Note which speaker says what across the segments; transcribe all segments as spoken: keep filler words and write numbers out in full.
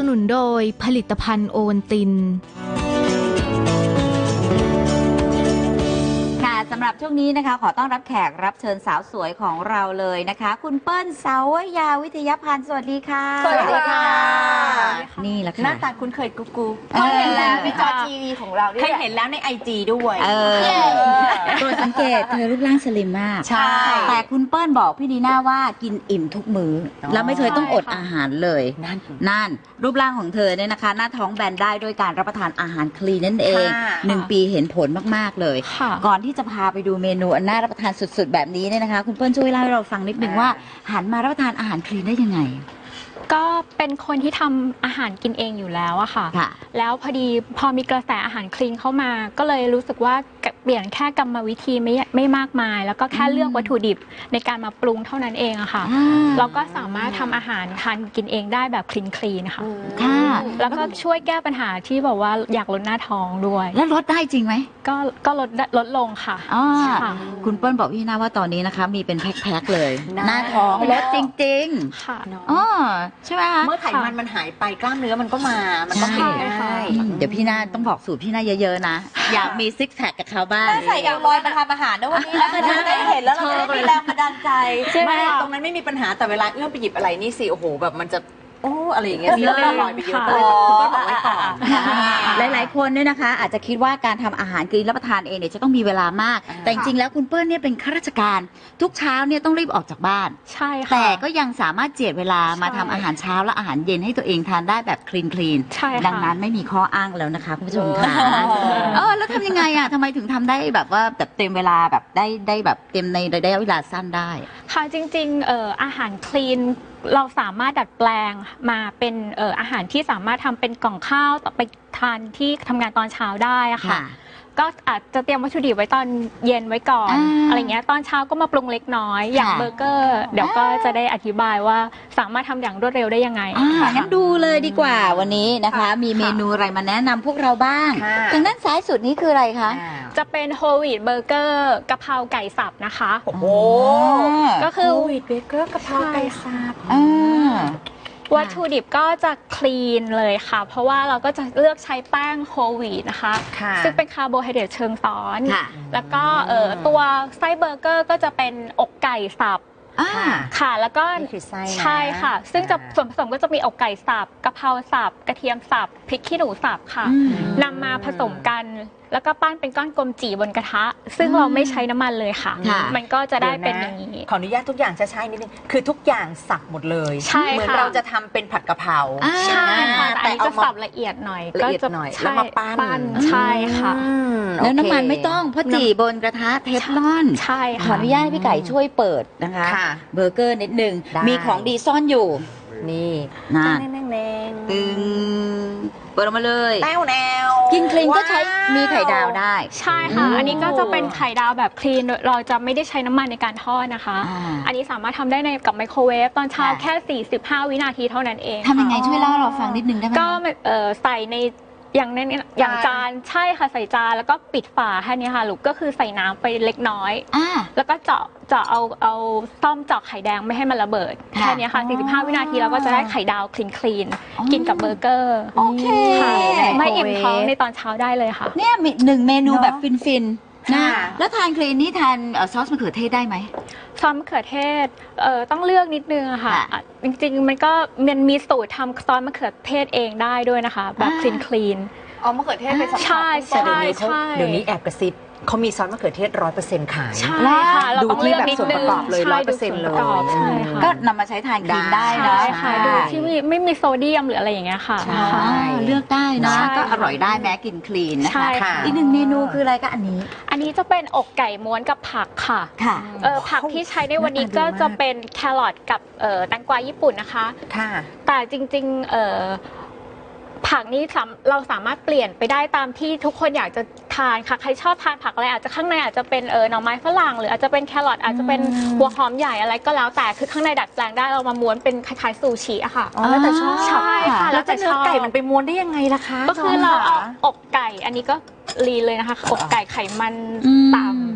Speaker 1: นุนโดยผลิตภัณฑ์โอวัลติน
Speaker 2: สำหรับช่วงนี้นะคะขอต้อนรับแขกรับเชิญสาวสวยของเราเลยนะคะคุณเปิ้ลเสาวยาวิทยาพันธ์สวัสดีค่ะ
Speaker 3: สวัสดีค่ะ
Speaker 2: นี่แหละค่ะ
Speaker 3: หน้าตาคุ้นเคยกุ๊กกุ๊ก
Speaker 2: เคยเห็นแล้ว
Speaker 3: ในจอทีวีของเราเคยเห็นแล้วในไอจีด้วย
Speaker 2: เออตัวสังเกตเธอรูปร่างสลิมมาก
Speaker 3: ใช่
Speaker 2: แต่คุณเปิ้ลบอกพี่นีน่าว่ากินอิ่มทุกมื้อแล้วไม่เคยต้องอดอาหารเลย
Speaker 3: นั่น
Speaker 2: นั่นรูปร่างของเธอเนี่ยนะคะหน้าท้องแบนได้ด้วยการรับประทานอาหารคลีนนั่นเองหนึ่งปีเห็นผลมากๆเลยก่อนที่จะพาไปดูเมนูอันน่ารับประทานสุดๆแบบนี้เนี่ยนะคะคุณเปิ้ลช่วยเล่าให้เราฟังนิดนึงว่าหันมารับประทานอาหารคลีนได้ยังไง
Speaker 4: ก็เป็นคนที่ทำอาหารกินเองอยู่แล้วอะค่ะแล้วพอดีพอมีกระแสอาหารคลีนเข้ามาก็เลยรู้สึกว่าเปลี่ยนแค่กรรมวิธีไม่ไม่มากมายแล้วก็แค่เลือกวัตถุดิบในการมาปรุงเท่านั้นเองอะค่ะเราก็สามารถทำอาหารทานกินเองได้แบบคลีนคลีนค่ะแล้วก็ช่วยแก้ปัญหาที่บอกว่าอยากลดหน้าท้องด้วย
Speaker 2: แล้วลดได้จริงไหม
Speaker 4: ก็ก็ลดลดลงค่ะ
Speaker 2: คุณเปิ้ลบอกพี่นาว่าตอนนี้นะคะมีเป็นแพ็คๆเลยหน้าท้องลดจริงๆค่ะอ๋อใช่ไหมคะ
Speaker 3: เมื่อไขมันมันหายไปกล้ามเนื้อมันก็มามันก็เป็นง่าย
Speaker 2: เดี๋ยวพี่นาต้องบอกสูตรพี่นาเยอะๆนะอยากมีซิกแพคกับเขาบ้าง
Speaker 3: ใส่เอลลอยมาทำอาหารนะวันนี้แล้วก็ได้เห็นแล้วเราจะได้มีแรงบันดาลใจไม่ตรงนั้นไม่มีปัญหาแต่เวลาเอื้อมไปหยิบอะไรนี่สิโอ้โหแบบมันจะโอ้อะไรอย่างเงี้ยมีเรื่องลอยไปเยอะเลยคุณก็บอกไว้ก่อน
Speaker 2: หลายๆคนเนี่ยนะคะอาจจะคิดว่าการทำอาหารกินรับประทานเองเนี่ยจะต้องมีเวลามากแต่จริงๆแล้วคุณเปิ้ลเนี่ยเป็นข้าราชการทุกเช้าเนี่ยต้องรีบออกจากบ้าน
Speaker 4: ใช่ค่ะ
Speaker 2: แต่ก็ยังสามารถเจียดเวลามาทำอาหารเช้าและอาหารเย็นให้ตัวเองทานได้แบบคลีนคลีนดังนั้นไม่มีข้ออ้างแล้วนะคะคุณผู้ชมค่ะเออแล้วทำยังไงอ่ะทำไมถึงทำได้แบบว่าแบบเต็มเวลาแบบได้ได้แบบเต็มในระยะเวลาสั้นได้
Speaker 4: ค่ะจริงๆเอ่ออาหารคลีนเราสามารถดัดแปลงมาเป็นเอ่ออาหารที่สามารถทำเป็นกล่องข้าวต่อไปทานที่ทำงานตอนเช้าได้อะค่ะก็อาจจะเตรียมวัตถุดิบไว้ตอนเย็นไว้ก่อน อ, อะไรเงี้ยตอนเช้าก็มาปรุงเล็กน้อยอย่างเบอร์เกอร์เดี๋ยวก็จะได้อธิบายว่าสามารถทำอย่างรวดเร็วได้ยังไง
Speaker 2: งั้นดูเลยดีกว่าวันนี้นะคะมีเมนูอะไรมาแนะนำพวกเราบ้างทางด้านซ้ายสุดนี้คืออะไรคะ
Speaker 4: จะเป็นโฮลวีตเบอร์เกอร์กะเพราไก่สับนะคะ
Speaker 3: โอ้โห
Speaker 4: ก็คือ
Speaker 3: โฮลวีตเบอร์เกอร์กะเพราไก่สับ
Speaker 4: วัตถุดิบก็จะคลีนเลยค่ะเพราะว่าเราก็จะเลือกใช้แป้งโฮลวีตนะคะซึ่งเป็นคาร์โบไฮเดรตเชิงซ้อนแล้วก็ตัวไส้เบอร์เกอร์ก็จะเป็นอกไก่สับค่ะแล้วก็ใช่ค่ะซึ่งจะส่วนผสมก็จะมีอกไก่สับกะเพราสับกระเทียมสับพริกขี้หนูสับค่ะนำมาผสมกันแล้วก็ปั้นเป็นก้อนกลมจีบนกระทะซึ่งเราไม่ใช้น้ำมันเลยค่ะมันก็จะได้เป็นอย่างนี้
Speaker 3: ขออนุญาตทุกอย่างช้าๆนิดนึงคือทุกอย่างสับหมดเลยเหมือนเราจะทำเป็นผัดกะเพรา
Speaker 4: ใช่ค่ะแต่จะสับละเอียดหน่อย
Speaker 3: ละเอียดหน่อยแล้วมาปั้น
Speaker 4: ใช่ค่ะ
Speaker 2: แล้วน้ำมันไม่ต้องเพราะจีบนกระทะเทฟลอน
Speaker 4: ใช่ค่ะ
Speaker 2: ขออนุญาตให้พี่ไก่ช่วยเปิดนะคะเบอร์เกอร์นิดนึงมีของดีซ่อนอยู่
Speaker 3: นี่
Speaker 2: นะ
Speaker 3: ตึง
Speaker 2: เปิดออกมาเลย
Speaker 3: แนวแนว
Speaker 2: กินคลีนก็ใช้มีไข่ดาวได้
Speaker 4: ใช่ค่ะอันนี้ก็จะเป็นไข่ดาวแบบคลีนเราจะไม่ได้ใช้น้ำมันในการทอดนะคะอันนี้สามารถทำได้ในกับไมโครเวฟตอนเช้าแค่สี่สิบห้าวินาทีเท่านั้นเอง
Speaker 2: ทำยังไงช่วยเล่าเราฟังนิดนึงได้ไหม
Speaker 4: ก็ใส่ในอย่างในอย่างจานใช่ค่ะใส่จานแล้วก็ปิดฝาแค่นี้ค่ะลูกก็คือใส่น้ำไปเล็กน้อยแล้วก็เจาะเจาะเอาเอาซ่อมเจาะไข่แดงไม่ให้มันระเบิดแค่นี้ค่ะสี่สิบห้าวินาทีแล้วก็จะได้ไข่ดาวคลีนคลีนกินกับเบอร์เกอร์
Speaker 2: โอเค
Speaker 4: ไม่อิ่มท้องในตอนเช้าได้เลยค่ะ
Speaker 2: เนี่ยหนึ่งเมนูแบบฟินฟินนะแล้วทานคลีนนี่ทานซอสมะเขือเทศได้ไหม
Speaker 4: ซอสมะเขือเทศเอ่อต้องเลือกนิดนึงค่ะจริงๆมันก็มันมีสูตรทำซอสมะเขือเทศเองได้ด้วยนะคะแบบคลีนคลีน
Speaker 3: อ๋อมะเขือเทศเป็นสำคัญ
Speaker 4: ใช่ใช่ใช่
Speaker 3: เดี๋ยวนี้แอบกระซิบเขามีซอสมะเขือเทศร้อยเปอร์เซ็นต์ขาย
Speaker 4: ใช่ค่ะเราต้องเลือกนิดนึง
Speaker 3: ดูที่แบบส่วนประกอบเลยร้อยเปอร์เซ็นต์เลย
Speaker 2: ก็นำมาใช้ทานคลีนได้นะ
Speaker 4: ค่ะดูที่ไม่มีโซเดียมหรืออะไรอย่างเงี้ยค่ะ
Speaker 2: เลือกได้นะก็อร่อยได้แม้กินคลีนนะคะอีกหนึ่งเมนูคืออะไรก็อันนี้
Speaker 4: อันนี้จะเป็นอกไก่ม้วนกับผักค่ะเออผักที่ใช้ในวันนี้ก็จะเป็นแครอทกับแตงกวาญี่ปุ่นนะคะแต่จริงๆเออผักนี้เราสามารถเปลี่ยนไปได้ตามที่ทุกคนอยากจะทานค่ะใครชอบทานผักอะไรอาจจะข้างในอาจจะเป็นเออหน่อไม้ฝรั่งหรืออาจจะเป็นแครอทอาจจะเป็นหัวหอมใหญ่อะไรก็แล้วแต่คือข้างในดัดแปลงได้เรามาม้วนเป็นคล้ายๆซูชิอะค่ะ
Speaker 3: แล้วแต่ชอบ
Speaker 4: ใช่ค่ะ
Speaker 3: แล้วจะเนื้อไก่มันไปม้วนได้ยังไงล่ะคะ
Speaker 4: ก็คือเราเอาอกไก่อันนี้ก็ลีเลยนะคะอกไก่ไขมันต่ำ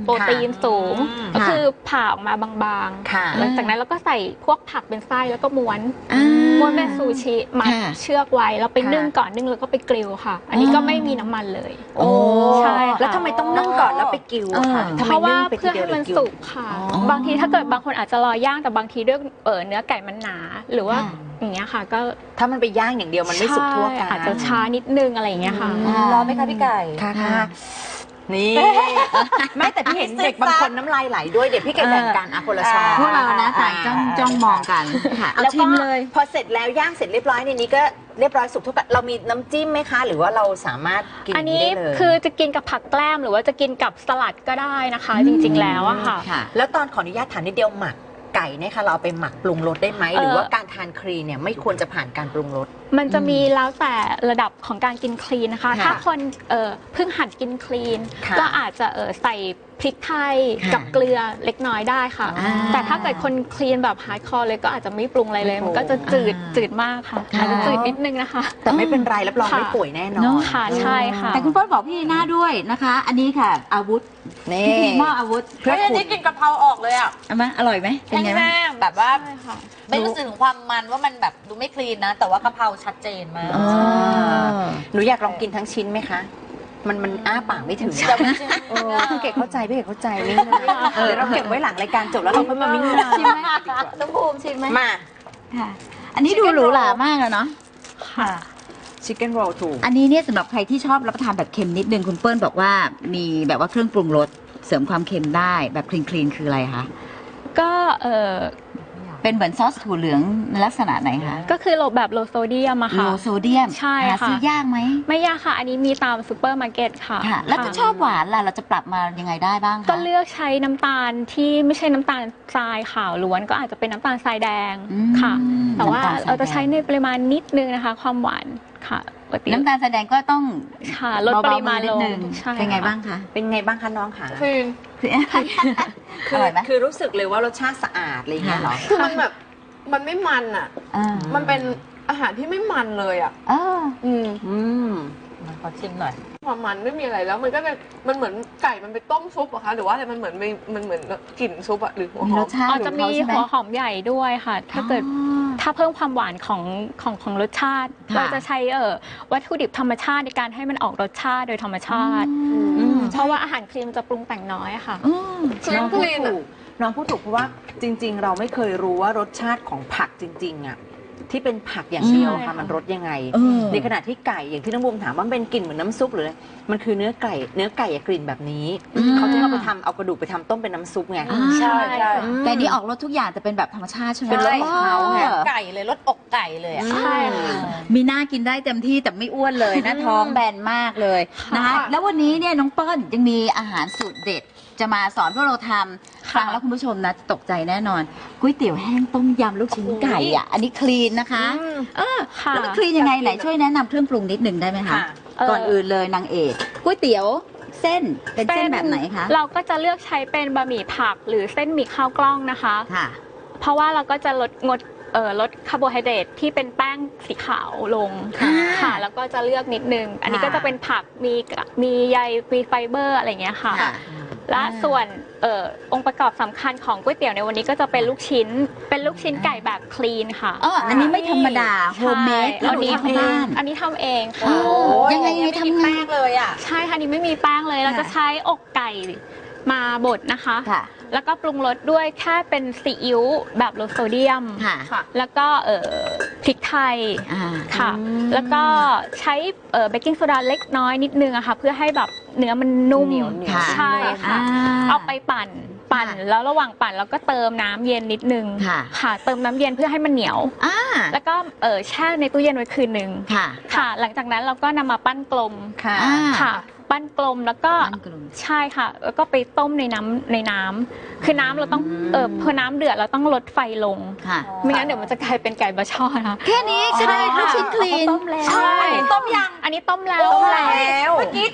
Speaker 4: โปรตีนสูง
Speaker 2: ค่ะ
Speaker 4: ก็คือผ่าออกมาบาง
Speaker 3: ค่ะ
Speaker 4: ๆหลังจากนั้นเราก็ใส่พวกผักเป็นไส้แล้วก็ม้วน
Speaker 2: อ่า
Speaker 4: ม้วนเป็นซูชิมัด
Speaker 2: ค่ะ
Speaker 4: เชือกไว้แล้วไป
Speaker 3: ค่ะ
Speaker 4: นึ่งก่อนนึ่งแล้วก็ไปกริลค่ะ อันนี้ก็ไม่มีน้ำมันเลย
Speaker 3: โอ้
Speaker 4: ใช่ค่ะ
Speaker 3: แล้วทำไมต้องนึ่งก่อนแล้วไปกิวอะคะ
Speaker 2: เออ
Speaker 3: ทำไม
Speaker 4: เพราะว่า
Speaker 3: นึ่งไปที
Speaker 4: เพื่อ
Speaker 3: เดีย
Speaker 4: ให้
Speaker 3: ว
Speaker 4: มัน
Speaker 3: หรือกิว
Speaker 4: สุกค่ะ
Speaker 2: อ๋อ
Speaker 4: บางทีถ้าเกิดบางคนอาจจะรอย่างแต่บางทีด้วยเออเนื้อไก่มันหนา หรือว่า
Speaker 2: ค่ะ
Speaker 4: อย่างเงี้ยค่ะ ก็
Speaker 3: ถ้ามันไปย่างอย่างเดียวมันไม่สุกทั่วกัน
Speaker 4: ใช่อาจจะช้านิดนึงอะไรอย่างเงี้ยค่ะ
Speaker 2: อ่า
Speaker 3: รอไหมคะพี่ไก่ค่ะ
Speaker 2: ค่ะ
Speaker 3: ค่ะนี่ ไม่แต่พี่เห็นเด็กบางคนน้ำลายไหลด้วยเดี๋ยวพี่ไก่แบ่งกันอ่ะคนละช้อน
Speaker 2: พวกเรานะต่างจ้องจ้องมองกันค่ะเอา
Speaker 3: แล้ว
Speaker 2: ชิ
Speaker 3: ก็
Speaker 2: มเลย
Speaker 3: พอเสร็จแล้วย่างเสร็จเรียบร้อยในนี้ก็เรียบร้อยสุกทุกแบบเรามีน้ำจิ้มไหมคะ หรือว่าเราสามารถกิน
Speaker 4: อัน
Speaker 3: นี้
Speaker 4: นี้
Speaker 3: ได้เลย
Speaker 4: คือจะกินกับผักแกล้มหรือว่าจะกินกับสลัดก็ได้นะคะ จริงๆแล้วอะค่ะ
Speaker 2: ค่ะ
Speaker 3: แล้วตอนขออนุญาตถามนิดเดียวหมักไก่เนี่ยค่ะเราเอาไปหมักปรุงรสได้ไหม
Speaker 4: เอ่อ
Speaker 3: หรือว่าการทานครีนเนี่ยไม่ควรจะผ่านการปรุงรส
Speaker 4: มันจะมีแล้วแต่ระดับของการกินคลีนนะคะ
Speaker 2: ค่ะ
Speaker 4: ถ้าคนเอ่อเพิ่งหัดกินคลีน
Speaker 3: ค่ะ
Speaker 4: ก็อาจจะเอ่อใส่พริกไทย
Speaker 2: ค่ะ
Speaker 4: กับเกลือเล็กน้อยได้ค่ะ
Speaker 2: อ่า
Speaker 4: แต่ถ้าเกิดคนคลีนแบบฮาร์ดคอร์เลยก็อาจจะไม่ปรุงอะไรเลย
Speaker 3: ไม่ปรุง
Speaker 4: มันก็จะจืด
Speaker 2: อ่า
Speaker 4: จืดมากค่ะ
Speaker 2: ค่ะ
Speaker 4: อาจจะจืดนิดนึงนะคะ
Speaker 3: แต่ไม่เป็นไรรับรอง
Speaker 4: ค่ะ
Speaker 3: ไม่ป่วยแน่นอ
Speaker 2: เน
Speaker 3: น
Speaker 2: อะ
Speaker 4: ค่ะใช่ค่ะ
Speaker 2: แต่คุณเปิ้ลบอกพี่ลีน่าด้วยนะคะ อันนี้ค่ะ อาวุธ
Speaker 3: นี่
Speaker 2: พี่มอบอาวุธ
Speaker 3: เพื่อ
Speaker 5: เฮ้ยอัน
Speaker 3: คุณ
Speaker 5: นี้กินกะเพราออกเลยอ่ะ
Speaker 2: เอามาอร่อยไหมเป็นไงบ้าง
Speaker 5: แห้งๆแบบว่า
Speaker 4: ใช่ค่ะ
Speaker 5: ไม่รู้สึกถึงความมันว่ามันแบบดูไม่คลีนนะ แต่ว่ากะเพราชัดเจนมาก
Speaker 2: อ๋อ
Speaker 3: หนูอยากลองกินทั้งชิ้นไหมคะ มันมันอ้าปากไม่ถึง
Speaker 5: แต่จริง
Speaker 3: เออพี่เก๋เข้าใจพี่เก๋เข้าใจนี่นะเดี๋ยวเราเก็บไว้หลังรายการจบแล้วเราค่อยมามิ้ง
Speaker 5: ชิมไหมต้องภูมิชิมไหม
Speaker 3: มา
Speaker 2: ค่ะ อันนี้ดูหรูหรามากแล้วเนาะ
Speaker 4: ค่ะ
Speaker 3: ชิคเก้นโรลถูก
Speaker 2: อันนี้เนี่ยสำหรับใครที่ชอบรับประทานแบบเค็มนิดนึงคุณเปิ้ลบอกว่ามีแบบว่าเครื่องปรุงรสเสริมความเค็มได้แบบคลีนคลีนคืออะไรคะ
Speaker 4: ก็เออ
Speaker 2: เป็นเหมือนซอสถั่วเหลืองในลักษณะไหนคะ
Speaker 4: ก็คือโลแบบโลโซเดียมอะ
Speaker 2: โล
Speaker 4: ค่ะ
Speaker 2: โซเดียม
Speaker 4: ใช่
Speaker 2: หา
Speaker 4: ค่ะ
Speaker 2: ซื้อยากไหม
Speaker 4: ไม่ยากค่ะ อันนี้มีตามซูเปอร์มาร์เก็ตค่ะ
Speaker 2: ค่ะ แล้วถ้าชอบหวานล่ะเราจะปรับมายังไงได้บ้างคะ
Speaker 4: ก็เลือกใช้น้ำตาลที่ไม่ใช่น้ำตาลทรายขาวล้วนก็อาจจะเป็นน้ำตาลทรายแดง
Speaker 2: อืม
Speaker 4: ค่ะ แต่ว่า
Speaker 2: น้ำตลทย
Speaker 4: เราจะใช้
Speaker 2: แดง
Speaker 4: ในปริมาณนิดนึงนะคะ ความหวานค่ะปกติ
Speaker 2: น้ำตาลแสดงก็ต้อง
Speaker 4: ค่ะลดปริมาณ
Speaker 2: เบๆนิด
Speaker 4: ลง
Speaker 2: นึง
Speaker 4: ใช่
Speaker 2: เป็นไง
Speaker 4: ค่ะ
Speaker 2: บ้างคะ
Speaker 3: เป็นไงบ้างคะน้องคะ
Speaker 5: คือ
Speaker 2: คือ
Speaker 3: อ
Speaker 2: อร่อยไหม
Speaker 3: คือรู้สึกเลยว่ารสชาติสะอาดอะไรอย่างเงี้ยเหรอ
Speaker 5: คือมันแบบมันไม่มันอ่ะ
Speaker 2: อ่า
Speaker 5: มันเป็นอาหารที่ไม่มันเลยอ่ะ
Speaker 2: เออ
Speaker 5: อืม
Speaker 3: อืม
Speaker 5: มันขอชิมหน่อย
Speaker 6: ความมันไม่มีอะไรแล้วมันก็จะมันเหมือนไก่มันไปต้มซุปเหรอะคะหรือว่าอะไรมันเหมือนมีมันเหมือนกลิ่นซุปอะหรือหัว
Speaker 2: มี
Speaker 6: ห
Speaker 2: ร
Speaker 6: อ
Speaker 2: ส
Speaker 6: ม
Speaker 2: ชาติ
Speaker 4: อาจจะมี
Speaker 2: ของเขาใช่ไหม
Speaker 4: หัวหอมใหญ่ด้วยค่ะ ถ้าเกิด
Speaker 2: อ๋อ
Speaker 4: ถ้าเพิ่มความหวานของของของรสชาติ
Speaker 2: ค่ะ
Speaker 4: เราจะใช้เอ่อวัตถุดิบธรรมชาติในการให้มันออกรสชาติโดยธรรมชาติ
Speaker 2: อืม
Speaker 4: เพราะว่าอาหารครีมจะปรุงแต่งน้อยอะค่ะ
Speaker 2: อืม
Speaker 6: คือ
Speaker 3: น้อง
Speaker 6: ค
Speaker 3: พูด
Speaker 6: ลีน
Speaker 3: ถู
Speaker 6: อะ
Speaker 3: กน้องพูดถูกเพราะว่าจริง ๆ เราไม่เคยรู้ว่ารสชาติของผักจริง ๆอ่ะที่เป็นผักอย่างเดียว
Speaker 4: ใช่
Speaker 3: ค่ะ
Speaker 4: ค่ะ
Speaker 3: มันรสยังไง
Speaker 2: เออ
Speaker 3: ในขณะที่ไก่อย่างที่น้องบูมถามว่ามันเป็นกลิ่นเหมือนน้ำซุปหรืออะไรมันคือเนื้อไก่เนื้อไก่อะกลิ่นแบบนี้
Speaker 2: อืม
Speaker 3: เขาจะเอาไปทำเอากระดูกไปทำต้มเป็นน้ำซุปไง
Speaker 2: อ่า
Speaker 5: ใช่ใช่
Speaker 2: แต่นี่ออกรสทุกอย่างจะเป็นแบบธรรมชาติใช่ไหม
Speaker 3: เป็นรสของเขาไง
Speaker 2: ออ
Speaker 5: ไก่เลยรสอกไก่เลยอะ
Speaker 4: ใช่ค่ะ
Speaker 2: มีหน้ากินได้เต็มที่แต่ไม่อ้วนเลยนะท้องแบนมากเลยนะคะแล้ววันนี้เนี่ยน้องเปิ้ลยังมีอาหารสูตรเด็ด จะมาสอนพวกเราทำฟังแล้วคุณผู้ชมนะตกใจแน่นอนก๋วยเตี๋ยวแห้งต้มยำลูกชิ้นไก่อ่ะอันนี้คลีนนะคะเออ
Speaker 4: ค่ะ
Speaker 2: แล้วมันคลีนยังไงไหนช่วยแนะนำเครื่องปรุงนิดหนึ่งได้ไหมคะ
Speaker 3: ค่ะ
Speaker 4: เอ่อ
Speaker 2: ก่อนอื่นเลยนางเอกก๋วยเตี๋ยวเส้นเป็นเส้นแบบไหนคะ
Speaker 4: เราก็จะเลือกใช้เป็นบะหมี่ผักหรือเส้นหมี่ข้าวกล้องนะคะ
Speaker 2: ค่ะ
Speaker 4: เพราะว่าเราก็จะลดงดเอ่อลดคาร์โบไฮเดรตที่เป็นแป้งสีขาวลง
Speaker 2: ค่ะ
Speaker 4: ค่ะ แล้วก็จะเลือกนิดนึง อันนี้
Speaker 2: ค่ะ
Speaker 4: ก็จะเป็นผักมีมีใยมีไฟเบอร์อะไรอย่างเงี้ยค่ะ
Speaker 2: ค่ะ
Speaker 4: และ
Speaker 2: อ่า
Speaker 4: ส่วนเอ่อองค์ประกอบสำคัญของก๋วยเตี๋ยวในวันนี้ก็จะเป็นลูกชิ้น เป็นลูกชิ้นไก่แบบคลีนค่ะ
Speaker 2: อ๋ออันนี้ไม่ธรรมดาโฮมเมด
Speaker 4: ใช่
Speaker 2: แล้ว
Speaker 4: อันนี้
Speaker 2: ทำที่บ้าน
Speaker 4: อันนี้ทำเอง
Speaker 2: อ๋
Speaker 4: ค่ะ
Speaker 2: อ ยังไงยังไง
Speaker 5: ม่มี
Speaker 2: ทำไง
Speaker 5: แป้งเลยอ่ะ
Speaker 4: ใช่ค่ะอันนี้ไม่มีแป้งเลย เรา
Speaker 2: ค่ะ
Speaker 4: จะใช้อกไก่มาบดนะคะ
Speaker 2: ค่ะ
Speaker 4: แล้วก็ปรุงรสด้วยแค่เป็นซีอิ๊วแบบโลโซเดียม
Speaker 2: ค่ะ
Speaker 4: แล้วก็เอ่อพริกไทย
Speaker 2: อ่า
Speaker 4: ค่ะ แล้วก็ใช้เบกกิ้งโซดาเล็กน้อยนิดนึงอะค่ะเพื่อให้แบบเนื้อมันนุ่ม
Speaker 3: เหนียวเหนียว
Speaker 4: ใช่ค่ะ
Speaker 2: อ่า
Speaker 4: เอาไปปั่นปั่น
Speaker 2: ค่ะ
Speaker 4: แล้วระหว่างปั่นเราก็เติมน้ำเย็นนิดนึง
Speaker 2: ค่ะ
Speaker 4: ค่ะ เติมน้ำเย็นเพื่อให้มันเหนียว
Speaker 2: อ่า
Speaker 4: แล้วก็เออแช่ในตู้เย็นไว้คืนนึง
Speaker 2: ค่ะ
Speaker 4: ค่ะ หลังจากนั้นเราก็นำมาปั้นกลม
Speaker 3: ค่ะ
Speaker 2: อ่า
Speaker 4: ค่ะ ปั้นกลมแล้วก็
Speaker 2: ปั้นกลม
Speaker 4: ใช่ค่ะ แล้วก็ไปต้มในน้ำในน้ำคือน้ำเราต้องเออพอน้ำเดือดเราต้องลดไฟลง
Speaker 2: ค่ะ
Speaker 4: ไม่งั้นเดี๋ยวมันจะกลายเป็นไก่บะช่อนะคะ
Speaker 2: แค่นี้ใช่ลูกชิ้นคลีน
Speaker 4: ต้มแล้ว
Speaker 2: ใช่
Speaker 5: ต้มยัง
Speaker 4: อันนี้ต้มแล้ว
Speaker 3: ต้มแล้ว
Speaker 5: เมื่อกี้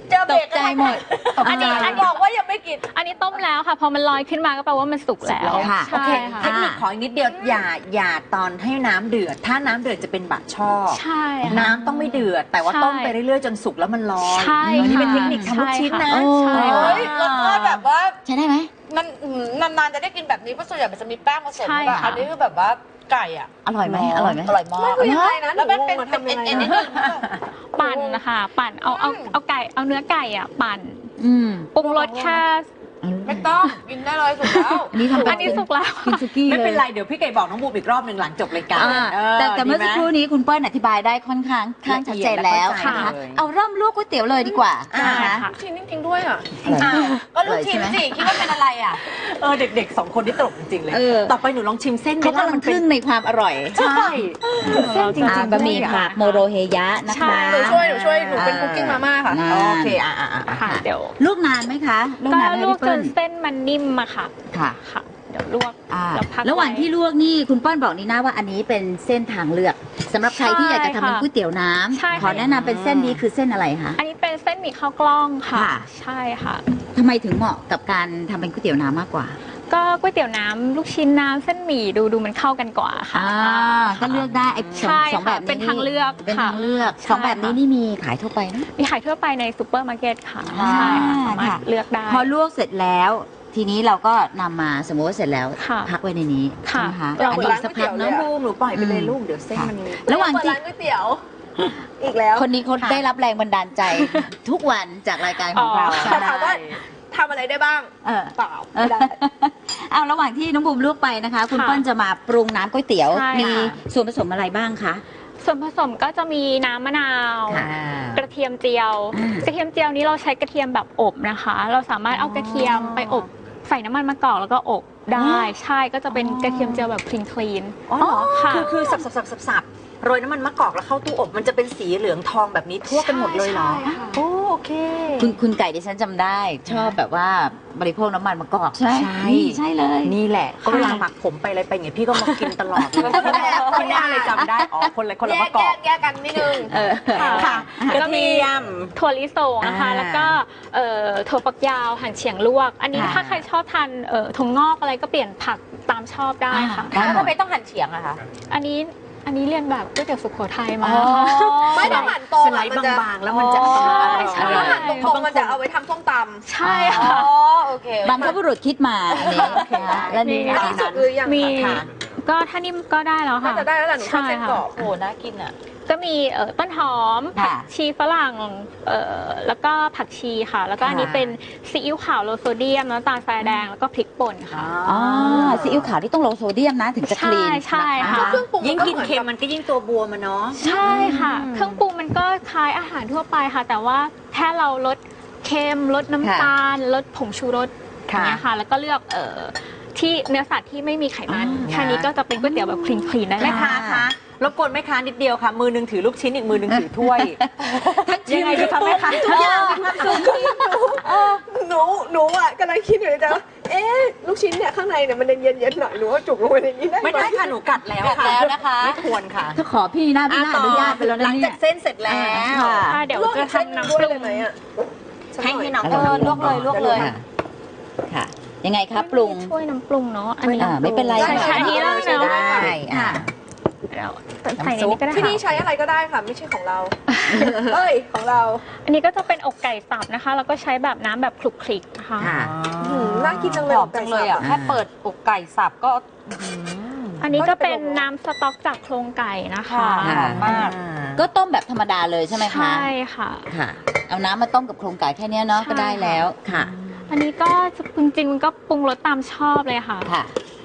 Speaker 3: เจอ
Speaker 2: ต
Speaker 3: เบร
Speaker 2: ก
Speaker 3: ก
Speaker 2: ใจหมดตก
Speaker 4: อัน
Speaker 2: ใจ
Speaker 4: นี้อัน
Speaker 3: บอกว่ายังไม่กิน
Speaker 4: อันนี้ต้มแล้วค่ะ พอมันลอยขึ้นมาก็แปลว่ามันสุกแล้ว
Speaker 2: ค่ะ
Speaker 3: โอ
Speaker 4: ใช่
Speaker 3: เค
Speaker 4: ค่ะ
Speaker 3: เทคนิคขออีกนิดเดียวอย่าอย่าตอนให้น้ำเดือดถ้าน้ำเดือดจะเป็นบะช่อ
Speaker 4: ใช่ค่ะ
Speaker 3: น้ำต้องไม่เดือด แต่ว่า
Speaker 4: ใช่
Speaker 3: ต้มไปเรื่อยๆจนสุกแล้วมันลอย
Speaker 4: ใช่
Speaker 3: อันนี่เป็น
Speaker 4: ค่ะ
Speaker 3: เทคนิคทำลูกชิ้นนะ
Speaker 4: ใช่ค่ะ
Speaker 3: เฮ้ย
Speaker 5: รสชาติแบบว่า
Speaker 2: ใช้ได้ไหม
Speaker 5: มันอืมนานๆจะได้กินแบบนี้เพราะส่วนใหญ่มันจะมีแป้งผสม
Speaker 4: ใช่
Speaker 5: แบบ
Speaker 4: ค่ะ
Speaker 5: อันนี้คือแบบว่าไก่อ่ะ
Speaker 2: อร่อยไหมอร่อยไหม
Speaker 5: อร่อยมาก
Speaker 6: ไม่ยังไงนะ
Speaker 5: แล้วมันเป็น
Speaker 6: หนูงง
Speaker 5: เป็น
Speaker 6: ว่า
Speaker 5: เอ็น
Speaker 6: ทำยังไงนะ
Speaker 5: เอ็นนิดนึง
Speaker 4: ปั่นนะคะปั่นเอาเอาเอาไก่เอาเนื้อไก่อ่ะปั่น
Speaker 2: อืม
Speaker 4: ปรุงรสแค่
Speaker 5: ไม่ต้องกินได้เลยสุดแล้ว
Speaker 2: อันนี้ทำเป็
Speaker 4: อันนี้สุกแล้ว
Speaker 2: กินสุกี้
Speaker 3: ไม่เป็น
Speaker 2: ลย
Speaker 3: ไรเดี๋ยวพี่ไก่บอกน้องบูมอีกรอบหนึ่งหลังจบรายการ
Speaker 2: อ่า
Speaker 3: เออ
Speaker 2: แต่แต่เมื่อ
Speaker 3: ดีไห
Speaker 2: สักครู่นี้คุณเปิ้ลอธิบายได้ค่อนข้างข้างชัดเจนแล้ว
Speaker 3: ละเอียดและ
Speaker 2: นะคะ
Speaker 3: เข้าใจเลย
Speaker 2: เอาเริ่มลวกก๋วยเตี๋ยวเลยดีกว่า
Speaker 3: อ่า
Speaker 2: นะคะ
Speaker 4: ค่ะ
Speaker 6: ชิ้นจริงๆด้วยอ่ะ
Speaker 5: อ้าวก็ลูกชิ้นสิคิดว่าเป็นอะไรอ่ะ
Speaker 3: เออเด็กๆสองคนที่ตลกจริงๆเลย
Speaker 2: เออ
Speaker 3: ต่อไปหนูลองชิมเส้น
Speaker 2: เขากำลัง
Speaker 3: มัน
Speaker 2: ค
Speaker 3: เป็น
Speaker 2: รึ่งในความอร่อย
Speaker 3: ใช่เส้นจริง
Speaker 2: อ่า
Speaker 3: ๆ
Speaker 2: บะหมี่
Speaker 3: ด้วย
Speaker 2: ผักโมโรเฮยะนะ
Speaker 4: ใช่
Speaker 2: คะ
Speaker 6: หนูช่วยหนูช่วยหนูเป็นคุกกิ้งมาม่าค่ะ
Speaker 2: นาน
Speaker 3: โอเคอ่ะอ่ะอ่ะอ่ะ
Speaker 4: ค่ะเดี๋ยว
Speaker 2: ลวกนานไหมคะลวก
Speaker 4: ก็
Speaker 2: นานไหม
Speaker 4: ลวก
Speaker 2: พี่
Speaker 4: จ
Speaker 2: เปิ้
Speaker 4: น
Speaker 2: ล
Speaker 4: เส้นมันนิ่มอะค่ะ
Speaker 2: ค่ะ
Speaker 4: ค่ะ เดี๋ยวลวก
Speaker 2: อ่า
Speaker 4: แล้วพัก
Speaker 2: ระหว่าง
Speaker 4: ไ
Speaker 2: ที่ลวกนี่คุณเปิ้ลบอกนี่นะว่าอันนี้เป็นเส้นทางเลือกสำหรับใครที่อยากจะทำเป็นก๋วยเตี๋ยวน้
Speaker 4: ใช่
Speaker 2: ำ
Speaker 4: ค่ะ
Speaker 2: ขอแนะนำเป็นเส้นนี้คือเส้นอะไรคะ
Speaker 4: อันนี้เป็นเส้นหมี่ข้าวกล้องค่ะ
Speaker 2: ค่ะ
Speaker 4: ใช่ค่ะ
Speaker 2: ทำไมถึงเหมาะกับการทำเป็นก๋วยเตี๋ยวน้ำมากกว่า
Speaker 4: ก็ก๋วยเตี๋ยวน้ำลูกชิ้นน้ำเส้นหมี่ดูดูมันเข้ากันกว่าค่ะ
Speaker 2: อ่าก็เลือกได้ไอ้สอง
Speaker 4: ใช่
Speaker 2: สองแบบ
Speaker 4: ค่ะ
Speaker 2: นี้
Speaker 4: เป็นทางเลือก
Speaker 2: เป็น
Speaker 4: ค่ะ
Speaker 2: ทางเลือก
Speaker 4: ใช่
Speaker 2: สองแบบนี้
Speaker 4: ค่ะ
Speaker 2: นี่มีขายทั่วไปนะ
Speaker 4: มีขายทั่วไปในซูเปอร์มาร์เก็ตค่ะ
Speaker 2: อ่า
Speaker 4: ใช่ค่ะสามารถ
Speaker 2: ค่ะ
Speaker 4: เลือกได้
Speaker 2: พอลวกเสร็จแล้ว ทีนี้เราก็นำมาสมมติว่าเสร็จแล้ว
Speaker 4: ค่ะ
Speaker 2: พักไว้ในนี้
Speaker 4: ค่ะ
Speaker 2: ใช่ไหมคะ
Speaker 6: เรา
Speaker 2: อัน
Speaker 6: เหมือน
Speaker 2: นี้
Speaker 6: ร้าน
Speaker 2: สัก
Speaker 6: ก๋วยเตี๋
Speaker 2: พัก
Speaker 6: ยวเล
Speaker 2: เนาะ
Speaker 6: ยอะ
Speaker 3: บูมหนูปล่อยไปเลยลูกเดี๋ยวเส้นมัน
Speaker 2: ระหว่าง
Speaker 6: เปิด
Speaker 2: ที่
Speaker 6: ร้านก๋วยเตี๋ยว อีกแล้ว
Speaker 2: คนนี้เขาได้รับแรงบันดาลใจ ทุกวันจากรายการของเรา
Speaker 4: อ๋อ
Speaker 6: แต่ถามว่าทำอะไรได้บ้าง
Speaker 2: เออ
Speaker 6: เปล่า
Speaker 2: เอ
Speaker 6: ไม่
Speaker 2: อ
Speaker 6: ได้
Speaker 2: เอาระหว่างที่น้องบูมลวกไปนะคะ คุณ
Speaker 4: ค่ะ
Speaker 2: เปิ้ลจะมาปรุงน้ำก๋วยเตี๋ยว
Speaker 4: ใช่
Speaker 2: มี
Speaker 4: ค่ะ
Speaker 2: ส่วนผสมอะไรบ้างคะ
Speaker 4: ส่วนผสมก็จะมีน้ำมะนาว
Speaker 2: ค่ะ
Speaker 4: กระเทียมเจียว
Speaker 2: อืม
Speaker 4: กระเทียมเจียวนี้เราใช้กระเทียมแบบอบนะคะ เราสามารถเอากระเทียมไปอบใส่น้ำมันมะกอกแล้วก็อบได้ ใช่ก็จะเป็นกระเทียมเจียวแบบคลีนคลีน
Speaker 3: อ๋อเหรอ
Speaker 4: ค่ะ
Speaker 3: คือคือสับสับสับสับสับโรยน้ำมันมะกอกแล้วเข้าตู้อบมันจะเป็นสีเหลืองทองแบบนี้ทั่วกันหมดเลยเหรอ
Speaker 4: ใช่ค่ะ
Speaker 3: โอ้โอเค
Speaker 2: คุณคุณไก่ดิฉันจำได้ ชอบแบบว่าบริโภคน้ำมันมะกอกใช่
Speaker 3: ใช่
Speaker 2: นี่ใช่เลย
Speaker 3: นี่แหละก็เวลาหมักผมไปอะไรไปไงพี่ก็มากินตลอดเลยคนหน้าเลยจำได้อ๋อคนละคนละ
Speaker 5: แย
Speaker 3: มะ
Speaker 5: ก
Speaker 3: ก
Speaker 5: แย
Speaker 3: อก
Speaker 5: กแยกกันนิดนึง
Speaker 2: เออ
Speaker 4: ค่ะ
Speaker 3: ค่ะกระเทียม
Speaker 4: ถั่วลิสงนะคะ
Speaker 3: อ่า
Speaker 4: แล้วก็เอ่อถั่วฝักยาวหั่นเฉียงลวก อันนี้
Speaker 2: ค่ะ
Speaker 4: ถ้าใครชอบทานเอ่อถั่วงอกอะไรก็เปลี่ยนผักตามชอบได้ค่ะ
Speaker 2: ได้
Speaker 5: แล้ว
Speaker 2: หม
Speaker 5: ทำ
Speaker 2: ด
Speaker 5: ไมต้องหั่นเฉียงอะคะ
Speaker 4: อันนี้อันนี้เรียนแบบก๋วยเตี๋ยวสุโขทัยมา
Speaker 6: ไม่ต้องหั่นตรง
Speaker 3: ส
Speaker 6: อะ
Speaker 3: ไลด์
Speaker 6: มันจะ
Speaker 3: บางๆแล้วมันจะกำลังอร่อย
Speaker 4: ใช่
Speaker 6: ถ้าหั่นตรงๆมันจะเอาไว้ทำส้มต
Speaker 4: ใช่
Speaker 5: อ๋อ
Speaker 4: ค่ะ
Speaker 5: โอเค
Speaker 2: บรรพบุรุษคิดมาอันนี้นะคะและนี่
Speaker 6: ำอันนี้สุกหรือยัง
Speaker 4: มี
Speaker 6: คะ
Speaker 3: ค่ะ
Speaker 4: ก็ถ้านิ่มก็ได้แล้ว
Speaker 6: น่า
Speaker 4: ค่ะ
Speaker 6: จะได้แล้วแหละหนูชอบเส้นกรอบ
Speaker 5: โอ้โหน่ากินอ่ะ
Speaker 4: ก็มีเอ่อต้นหอมผักชีฝรั่งเอ่อแล้วก็ผักชีค่ะ แล้วก็อันนี้เป็นซีอิ๊วขาวโลโซเดียมน้ำตาลทรายแดงแล้วก็พริกป่นค่ะ
Speaker 2: อ๋อซีอิ๊วขาวที่ต้องโลโซเดียมนะถึงจะค
Speaker 4: ใช่
Speaker 2: ลีน
Speaker 4: ใช่
Speaker 2: น
Speaker 4: ค่ะ
Speaker 6: เครื่องปรุง
Speaker 3: ยิ่ง
Speaker 6: มันก็
Speaker 3: กิน
Speaker 6: เหมือน
Speaker 3: เค็ม
Speaker 6: กับ
Speaker 3: มันก็ยิ่งตัวบวมมันเนาะ
Speaker 4: ใช่ค่ะ เครื่องปรุงมันก็คล้ายอาหารทั่วไปค่ะ แต่ว่าแค่เราลดเค็มลดน้ำตาลลดผงชูรสอย่างเงี้ยค่ะ แล้วก็เลือกเอ่อที่เนื้อสัตว์ที่ไม่มีไขมัน
Speaker 2: อ่า
Speaker 4: แค่นี้ก็จะเป็นก๋วยเตี๋ยวแบบคลีนคลีนได้
Speaker 3: แม่
Speaker 4: แล้ว
Speaker 3: ค้าคะรบกวนแม่ค้านิดเดียวค่ะ มือหนึงถือลูกชิ้นอีกมือหนึงถือถ้วย ยังไงดีคะแม่ค้าทุกอย่างมีความสุข
Speaker 6: หนูหนูอ่ะกำลังคิดอยู่ในใจว่าเอ๊ะลูกชิ้นเนี่ยข้างในเนี่ยมันเย็นเย็นๆหน่อยหนูว่าจุกลงไปในนี้ได้ห
Speaker 3: ไม่ได้ค่ะหนูกัดแล้ว
Speaker 5: กัดแล้วนะคะ
Speaker 3: ไม่ควรค่ะ
Speaker 2: ถ้าขอพี่หน้าพี่หน้าอนุญาตไปแล้ว
Speaker 3: หลั
Speaker 2: นะ
Speaker 3: ง
Speaker 2: เนี่
Speaker 3: จาย กเส้นเสร็จแล้ว
Speaker 2: ค่ะ
Speaker 4: ค่ะเดี๋ยว
Speaker 6: ลวก
Speaker 4: จะ
Speaker 6: อีกเส้น
Speaker 4: ทำ
Speaker 6: หนึ่ง
Speaker 4: น้ำ
Speaker 6: ด้วย
Speaker 4: ปรุ
Speaker 6: เลย
Speaker 4: ง
Speaker 6: ไหมอ่ะ
Speaker 3: ให้ให้น้อง
Speaker 5: เออลวกเลยลวกเลย
Speaker 2: ค่ะค่ะ ยังไงครับปรุง
Speaker 4: ช่วยน้ำปรุงเนาะอันนี้
Speaker 2: อ่าไม่เป็นไร
Speaker 4: ใช่ใช่อันนี้แล้ว
Speaker 6: ใช่
Speaker 4: เนาะ
Speaker 6: ได้
Speaker 3: ใช่อ่ะ
Speaker 4: เดี๋ยวใส่ในนี้ก็ได้
Speaker 6: ที่นี่
Speaker 4: ค่ะ
Speaker 6: ใช้อะไรก็ได้ค่ะ ไม่ใช่ของเรา เอ้ย ของเรา
Speaker 4: อันนี้ก็จะเป็นอกไก่สับนะคะแล้วก็ใช้แบบน้ำแบบคลุกคลิกนะคะ
Speaker 2: ค่ะ
Speaker 6: อืมน่ากินจัง
Speaker 5: ห
Speaker 6: เลย
Speaker 5: อมจังเลยอ่ะ
Speaker 2: อ่า
Speaker 5: แค่เปิดอกไก่สับก็อื้อหือ
Speaker 4: อันนี้ก็เป็นน้ำสต๊อกจากโครงไก่นะคะ
Speaker 5: ค่ะ หอมมาก
Speaker 2: ก็ต้มแบบธรรมดาเลยใช่ไหมคะ
Speaker 4: ใช่ค่ะ
Speaker 2: ค่ะ เอาน้ำมาต้มกับโครงไก่แค่เนี้ยเนาะ
Speaker 4: ใช่
Speaker 2: ก็ได้แล้วค่ะ
Speaker 4: อันนี้ก็จริงๆมันก็ปรุงรสตามชอบเลยค่ะ
Speaker 2: ค่ะ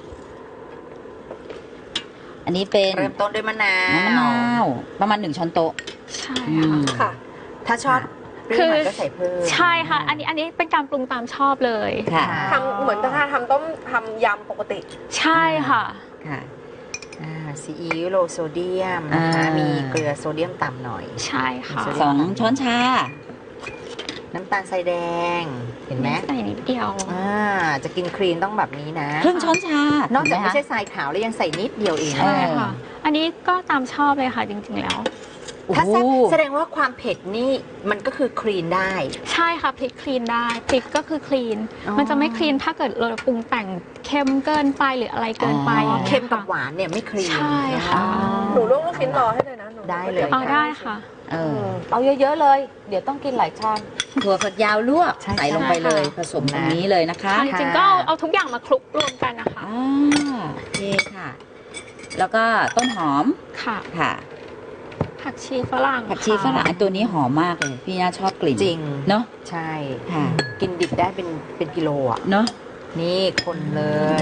Speaker 2: อันนี้เป็น
Speaker 3: เริ่มต้นด้วยมะนา
Speaker 2: น้ำมะนาว วประมาณหนึ่งช้อนโต๊ะ
Speaker 4: ใช่
Speaker 2: อื
Speaker 4: ค่ะ
Speaker 2: ม
Speaker 6: ค่ะ
Speaker 3: ถ้าชอบเปรี้ยวหน่อยก็ใส่เพิ่ม
Speaker 4: ใช่ค่ะ อันนี้อันนี้เป็นการปรุงตามชอบเลย
Speaker 2: ค่ะ
Speaker 6: ทำเหมือนถ้าทำต้มทำยำปกติ
Speaker 4: ใช่ค่ะ
Speaker 2: ค่ะ
Speaker 3: อ่าซีอิ๊วโลโซเดียมนะคะ
Speaker 2: อ่ามี
Speaker 3: มีเกลือโซเดียมต่ำหน่อย
Speaker 4: ใช่ค่ะ
Speaker 2: สองช้อนชา
Speaker 3: น้ำตาลทรายแดง เห็นไหม
Speaker 4: ใส่นิดเดียว
Speaker 3: อ่าจะกินครีนต้องแบบนี้นะ
Speaker 2: ครึ่งช้อนชาน
Speaker 3: อกจากไม่
Speaker 2: เห็นห
Speaker 3: ใช่ทรายขาวแล้วยังใส่นิดเดียวเอง
Speaker 2: เออ
Speaker 4: ใช่ค่ะ อันนี้ก็ตามชอบเลยค่ะจริงๆแล้ว
Speaker 3: ถ้าแซ่บ
Speaker 2: โอ้โห
Speaker 3: แสดงว่าความเผ็ดนี่มันก็คือคลีนได้
Speaker 4: ใช่ค่ะพริกคลีนได้พริกก็คือคลีน
Speaker 3: อ๋อ
Speaker 4: มันจะไม่คลีนถ้าเกิดเราปรุงแต่งเค็มเกินไปหรืออะไรเกินไป
Speaker 2: อ๋อ
Speaker 3: เค็มกับหวานเนี่ยไม่คลีน
Speaker 4: ใช่ค่ะ
Speaker 6: หนูลวกลูกชิ้นรอให้เลยนะหนู
Speaker 3: ได้เลย
Speaker 4: เอาได้ค่ะ
Speaker 2: เออ
Speaker 5: เอาเยอะๆเลย เดี๋ยวต้องกินหลายชาม
Speaker 2: ถั่วฝักยาวลวก
Speaker 3: ใช่
Speaker 2: ใส่ลงไปเลย
Speaker 4: ใช่ค่ะ
Speaker 2: ผสมตรงนี้เลยนะคะ
Speaker 4: จริงๆก็เอาเอาทุกอย่างมาคลุกรวมกันนะคะ
Speaker 2: อ่าโอเคค่ะ แล้วก็ต้นหอม
Speaker 4: ค่ะ
Speaker 2: ค่ะ
Speaker 4: ผักชีฝรั่ง
Speaker 2: ผักชีฝรั่ง
Speaker 4: ค่ะ
Speaker 2: อันตัวนี้หอมมากเลย พี่น่าชอบกลิ่น
Speaker 3: จริง
Speaker 2: เนาะ
Speaker 3: ใช่
Speaker 2: ค่ะ
Speaker 3: กินดิบได้เป็นเป็นกิโลอ่ะ
Speaker 2: เนาะ
Speaker 3: นี่คนเลย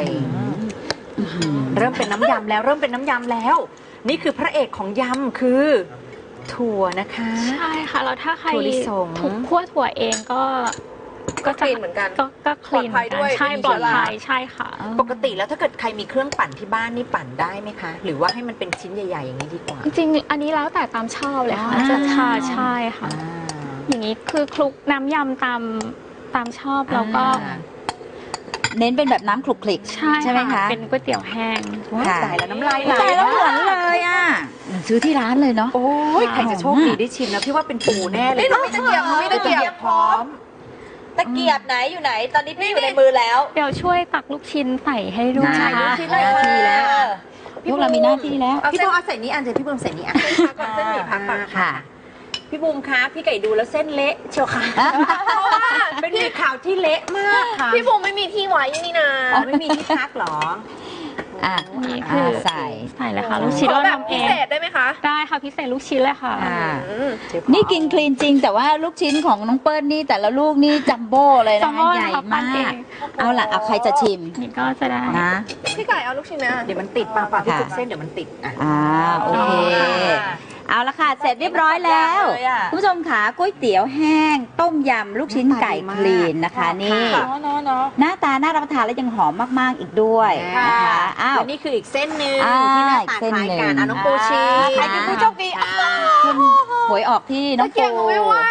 Speaker 2: อื้อหือ
Speaker 3: เริ่มเป็นน้ำยำแล้วเริ่มเป็นน้ำยำแล้ว นี่คือพระเอกของยำคือถั่วนะคะ
Speaker 4: ใช่ค่ะแล้วถ้าใคร
Speaker 3: ถั่วลิสง
Speaker 4: ถูกคั่วถั่วเองก็
Speaker 6: ก็คลีนเหมือนกัน
Speaker 4: ก็ก็คลีน
Speaker 6: ปลอดภัยด้วย
Speaker 4: ใช่
Speaker 6: ไม่มี
Speaker 4: ปลอด
Speaker 6: เชื้อรา
Speaker 4: ภัยใช่ค่ะ
Speaker 3: ปกติแล้วถ้าเกิดใครมีเครื่องปั่นที่บ้านนี่ปั่นได้ไหมคะ หรือว่าให้มันเป็นชิ้นใหญ่ๆอย่างนี้ดีกว่า
Speaker 4: จริงๆ อันนี้แล้วแต่ตามชอบเลยค่ะ
Speaker 2: อ่า
Speaker 4: จะชาใช่ค่ะ
Speaker 3: อ่า
Speaker 4: อย่างนี้คือคลุกน้ำยำตามตามชอบแล้วก็
Speaker 2: อ่า เน้นเป็นแบบน้ำคลุกคลิก
Speaker 4: ใช่
Speaker 2: ใช่ไหมคะ
Speaker 4: เป็นก๋วยเตี๋ยวแห้ง
Speaker 3: ว้าย
Speaker 2: ค่ะ
Speaker 3: ตายแล้วน้ำลายไหล
Speaker 2: ใส่แล้วเหมือนเลยอ่ะเหมือนซื้อที่ร้านเลยเนาะ
Speaker 3: โอ้ยใครจะโชคดีได้ชิมนะพี่ว่าเป็นปูแน่เลย
Speaker 6: นี่หนูมีตะเกียบหนูมีตะเกียบ
Speaker 3: พร้อม
Speaker 5: ตะเกียบไหนอยู่ไหน ตอนนี้พี่อยู่ในมือแล้ว
Speaker 4: เดี๋ยวช่วยตักลูกชิ้นใส่ให้ด้วย
Speaker 2: ได้
Speaker 4: นะ
Speaker 2: ลูกชิ้นหน้าที่แล้ว พวกเรามีหน้าที่แล้ว
Speaker 3: พี่บูมเอาใส่นี้อันเดี๋ยวพี่บูมใส่นี้อัน
Speaker 6: พักก่อนเส้นหมี่พักก่อน
Speaker 2: ค่ะ
Speaker 3: พี่บูมคะพี่ไก่ดูแล้วเส้นเละเชียวค่ะเพราะว่าเป็นมีข่าวที่เละมากค่ะ
Speaker 6: พี่บูมไม่มีที่ไว้นี่นะ
Speaker 3: อ๋อไม่มีที่พักเหรอ
Speaker 2: อ่ะ
Speaker 4: นี่คือ
Speaker 2: อ่าใส่
Speaker 4: ใส่เลยค่ะ ลูกชิ้น
Speaker 6: ขอ
Speaker 4: เรา
Speaker 6: แบบ
Speaker 4: ทำเอ
Speaker 6: พิ
Speaker 4: ง
Speaker 6: เศษได้ไหมคะ
Speaker 4: ได้ค่ะพิเศษลูกชิ้นเลยค่ะ
Speaker 2: อ่า
Speaker 6: อืม
Speaker 2: นี่กินคลีนจริง แต่ว่าลูกชิ้นของน้องเปิ้ลนี่แต่ละลูกนี่จัมโบ้เลย
Speaker 4: จั
Speaker 2: นะ
Speaker 4: มโบ้
Speaker 2: ใหญ่
Speaker 4: นะคะปั้
Speaker 2: มาน
Speaker 4: เอก ง
Speaker 2: เอาล่ะเอาใครจะชิม
Speaker 4: นี่ก็จะได้
Speaker 2: นะ
Speaker 6: พี่ไก่เอาลูกชิ้นไหมอ่ะ
Speaker 3: เดี๋ยวมันติดปากปากพี่
Speaker 2: ค่ะ
Speaker 3: จุกเส้นเดี๋ยวมันติดอ่ะ
Speaker 2: อ่าโอเค เอาละค่ะ เสร็จเรียบร้อยแล้ว
Speaker 5: เลยอะ
Speaker 2: คุณผู้ชมขาก๋วยเตี๋ยวแห้ง ต้มยำลูกชิ้นไก่คลีนนะคะนี่
Speaker 5: เนาะเนาะเนาะ
Speaker 2: หน้าตาน่ารับประทานและยังหอมมมากๆอีกด้วยนะคะอ้าว
Speaker 3: และนี่คืออีกเส้นหนึ่ง
Speaker 2: อ่า
Speaker 3: ที่หน้าตา
Speaker 2: อีกเส้น
Speaker 3: คล้ายกัน
Speaker 2: หนึ่ง
Speaker 3: อ่ะน้องปูชี
Speaker 2: ใครเป็นผู้โชคดี
Speaker 3: อ่า
Speaker 2: คุณหวยออกที่น้อง
Speaker 6: เกียบหนู
Speaker 2: ปู
Speaker 6: ไม่ว่าง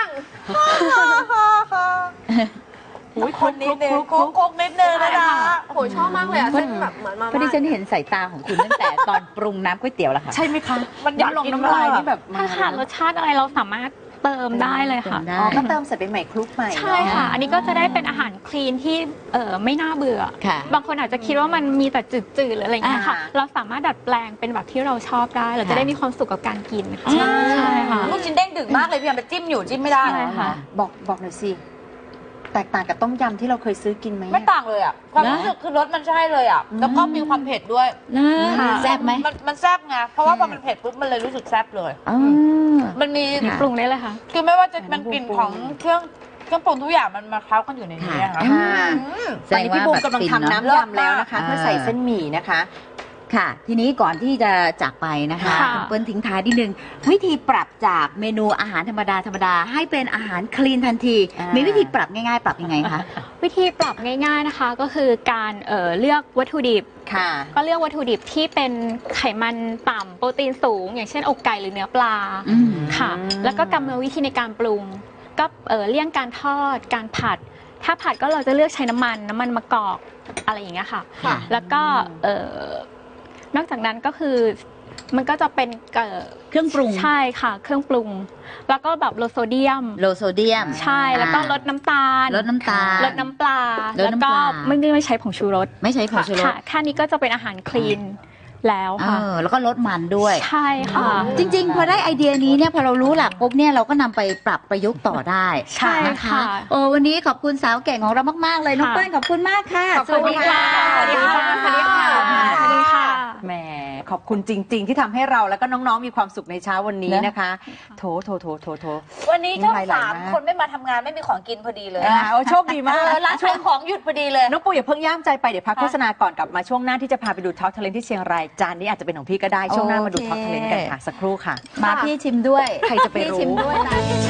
Speaker 3: อุ้ย
Speaker 5: คนนิดนึงโค้งๆนิดนึงนะจ๊ะ
Speaker 6: โอ้ยชอบมากเลยอ่ะเส้นแบบเหมือนมา
Speaker 2: เพราะดิฉันเห็นสายตาของคุณตั้งแต่ตอนปรุงน้ำก๋วยเตี๋ยวแล้วค่ะ
Speaker 3: ใช่ไหมคะ
Speaker 5: มันอยาก
Speaker 3: ลง
Speaker 5: กิน
Speaker 3: น้ำลาย
Speaker 5: มาก
Speaker 3: นี่แบบมา
Speaker 4: ถ้าขาดรสชาติอะไรเราสามารถเติมได้เลยค่ะ
Speaker 2: เติมได้
Speaker 3: อ๋อก็เติมใส่ไปใหม่คลุกใหม่
Speaker 4: ใช่ค่ะ อันนี้ก็จะได้เป็นอาหารคลีนที่เออไม่น่าเบื่อ
Speaker 2: ค่ะ
Speaker 4: บางคนอาจจะคิดว่ามันมีแต่จืดๆหรืออะไรอย่างเงี้ยค่ะ
Speaker 3: อ่า
Speaker 4: เราสามารถดัดแปลงเป็นแบบที่เราชอบได้ เราจะได้มีความสุขกับการกินค่ะ
Speaker 2: ใช่
Speaker 4: ใช่ค่ะ
Speaker 5: ลูกชิ้นเด้งดึกมากเลยพี่ยามไปจิ้มอยู่จิ้มไม่ได้
Speaker 4: ใช่ค่ะ
Speaker 3: บอกบอกหน่อยสิ แตกต่างกับต้มยำที่เราเคยซื้อกินไหม
Speaker 5: ไม่ต่างเลยอ่ะ ความรู้สึกคือรสมันใช่เลยอ่ะ แล้วก็มีความเผ็ดด้วย
Speaker 2: นะ
Speaker 4: ค่ะ
Speaker 2: แซ่บไหม
Speaker 5: มันมันแซ่บไง เพราะว่าพอมันเผ็ดปุ๊บมันเลยรู้สึกแซ่บเลย
Speaker 2: อ๋อ
Speaker 5: มันมี
Speaker 2: ค่ะ
Speaker 4: ปรุงได้เลยค่ะ
Speaker 5: คือไม่ว่าจะเป็นกลิ่นของเครื่องเครื่องปรุงทุกอย่างมันมาเคล้ากันอยู่ในนี้อะค่ะ
Speaker 2: ค่ะ
Speaker 3: ค่ะ
Speaker 5: อืม
Speaker 3: ตอนนี้พี่บูมกำลังทำน้ำยำแล้วนะคะ
Speaker 2: อ่า
Speaker 3: เพื่อใส่เส้นหมี่นะคะ
Speaker 2: ค่ะ ทีนี้ก่อนที่จะจากไปนะคะ
Speaker 4: ค่ะ
Speaker 2: คุณเปิ้ลทิ้งท้ายนิดนึง วิธีปรับจากเมนูอาหารธรรมดาธรรมดาให้เป็นอาหารคลีนทันที
Speaker 3: อ่ามี
Speaker 2: มีวิธีปรับง่ายๆ ปรับยังไงคะ
Speaker 4: วิธีปรับง่ายๆนะคะ ก็คือการเอ่อเลือกวัตถุดิบ
Speaker 3: ค่ะ
Speaker 4: ก็เลือกวัตถุดิบที่เป็นไขมันต่ำโปรตีนสูง อย่างเช่นอกไก่หรือเนื้อปลา
Speaker 2: อืม
Speaker 4: ค่ะ แล้วก็กรรมวิธีในการปรุง ก็เอ่อเลี่ยงการทอด การผัด ถ้าผัดก็เราจะเลือกใช้น้ำมันน้ำมันมะกอกอะไรอย่างเงี้ยค่ะ
Speaker 2: ค่ะ
Speaker 4: แล้วก็เอ่อนอกจากนั้นก็คือมันก็จะเป็นเอ่อ
Speaker 2: เครื่องปรุง
Speaker 4: ใช่ค่ะ เครื่องปรุง แล้วก็แบบโลโซเดียม
Speaker 2: โลโซเดียม
Speaker 4: ใช่แล้วก็ลดน้ำตาล
Speaker 2: ลดน้ำตาล
Speaker 4: ลดน้ำปลา
Speaker 2: ลด
Speaker 4: แล้ว
Speaker 2: น้ำป
Speaker 4: ก็
Speaker 2: ลา
Speaker 4: ไม่ได้ใช้ผงชูรส
Speaker 2: ไม่ใช้ผงชูรส
Speaker 4: ค่ะแค่นี้ก็จะเป็นอาหารคลีนแล้ว
Speaker 2: เอ
Speaker 4: ค่ะ
Speaker 2: อแล้วก็ลดมันด้วย
Speaker 4: ใช่ค่ะ
Speaker 2: จริงๆ พอได้ไอเดียนี้เนี่ยพอเรารู้หลักปุ๊บเนี่ยเราก็นำไปปรับประยุกต์ต่อได้
Speaker 4: ใช่
Speaker 2: นะคะ
Speaker 4: ค่ะ
Speaker 2: โอ้วันนี้ขอบคุณสาวเก่งของเรามากๆเลยน้อง
Speaker 4: ค่ะ
Speaker 2: เปิ้ลขอบคุณมากค่ะ
Speaker 3: ขอบคุณค่ะ
Speaker 4: สวัสดีค่ะ
Speaker 3: สวัสดีค่ะ
Speaker 4: สวัสดีค่ะ
Speaker 3: แหมขอบคุณจริง ๆ ที่ทำให้เราแล้วก็น้องๆมีความสุขในเช้าวันนี้นะคะ โถโถโถโถโถ
Speaker 5: วันนี้ช่อง
Speaker 3: น้ำลายไหล
Speaker 5: สาม
Speaker 3: มาก
Speaker 5: คนไม่มาทำงานไม่มีของกินพอดีเลย
Speaker 3: อ่าโอ้โชคดีมาก
Speaker 5: เออร้านขายของหยุดพอดีเลย
Speaker 3: น้องปูอย่าเพิ่งย่ามใจไปเดี๋ยวพักโฆษณาก่อนกลับมาช่วงหน้าที่จะพาไปดูท็อปทะเลนที่เชียงรายจานนี้อาจจะเป็นของพี่ก็ได้ช่วงหน้ามาดูท็อปทะเลนกันค่ะสักครู่ค่ะ
Speaker 2: มาพี่ชิมด้วย
Speaker 3: ใครจะไปรู้
Speaker 2: พี่ชิมด้วยนะ